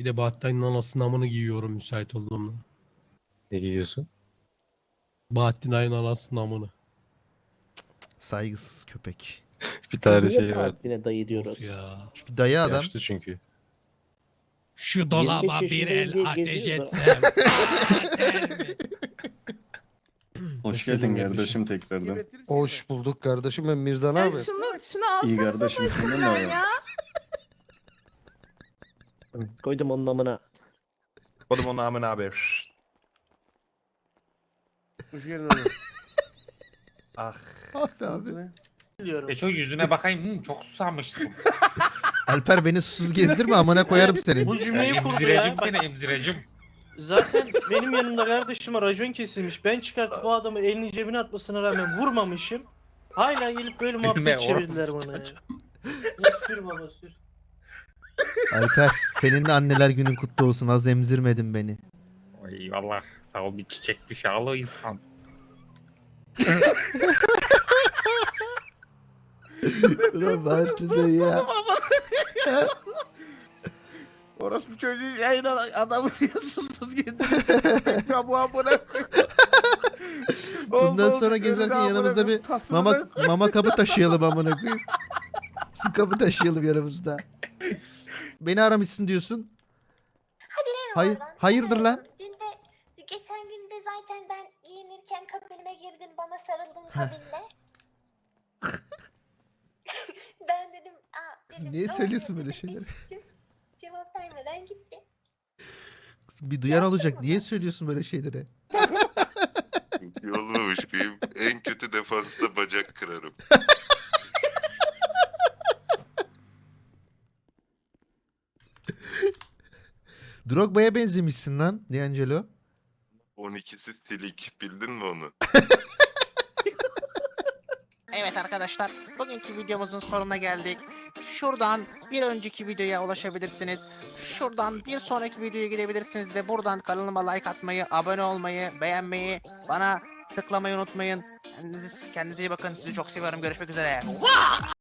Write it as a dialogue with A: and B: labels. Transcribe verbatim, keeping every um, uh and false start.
A: Bir de Bahattin'in anasının amını giyiyorum müsait olduğumda.
B: Ne giyiyorsun?
A: Bahattin Ay'ın anasının amını.
C: Saygısız köpek.
B: Bir
D: Biz
B: tane
D: niye
B: şey var.
D: Bahattin'e dayı diyoruz?
A: Of ya.
C: Çünkü dayı adam.
B: Yaşlı çünkü.
A: Şu dolaba bir
D: yaşındayım diye
A: el ateş
D: geziyor da.
A: etsem. Yeter mi?
E: Hoş geldin kardeşim tekrardan.
F: Hoş bulduk kardeşim, ben Mirzan
G: Ya
F: abi.
G: şunu şunu
E: İyi
G: alsanıza
E: kardeşim senden ne
G: başımdan
E: haber?
G: ya.
D: Koydum onun amına.
H: Oğlum onun amına abi.
F: Hoş geldin oğlum.
H: Ah.
C: Abi abi.
I: E çok yüzüne bakayım. Hı, çok susamışsın.
C: Alper beni susuz gezdirme, amına koyarım seni.
J: Bu cümleyi kurdu
I: Emzirecim
J: ya.
I: seni emzirecim.
J: Zaten benim yanımda kardeşime racon kesilmiş. Ben çıkartıp bu adamı elini cebine atmasına rağmen vurmamışım. Hala gelip böyle
I: Bilme,
J: muhabbet
I: orası
J: çevirdiler bana ya. Ya sür baba sür.
C: Alper, senin de anneler günün kutlu olsun. Az emzirmedin beni.
I: Eyvallah. Sağ ol bir çiçek dışarılı insan.
C: Ulan Bahattin dayı ya.
F: Orospu çocuğu yayına adamı diye susuz gezdiriyor. Ya bu amına.
C: Bundan sonra gezerken yanımızda bir mama mama kabı taşıyalım amına koyayım. Su kabı taşıyalım yanımızda. Beni aramışsın diyorsun. Hayır, hayırdır lan?
G: Dün de geçen gün de zaten ben giyinirken kabinime girdin bana sarıldın kabinde. Ben dedim aa dedim.
C: Niye
G: "Ne
C: söylüyorsun
G: oluyor?"
C: böyle
G: dedim,
C: şeyleri?
G: geçtim. Cevap vermeden gitti.
C: Bir duyan olacak. Niye söylüyorsun böyle şeyleri?
K: Olmamış mıyım? En kötü defansta bacak kırarım.
C: Drogba'ya benzemişsin lan D'Angelo.
K: on ikisi silik. Bildin mi onu?
L: Evet arkadaşlar, bugünkü videomuzun sonuna geldik. Şuradan bir önceki videoya ulaşabilirsiniz. Şuradan bir sonraki videoya gidebilirsiniz ve buradan kanalıma like atmayı, abone olmayı, beğenmeyi, bana tıklamayı unutmayın. Kendinize, kendinize iyi bakın. Sizi çok seviyorum. Görüşmek üzere.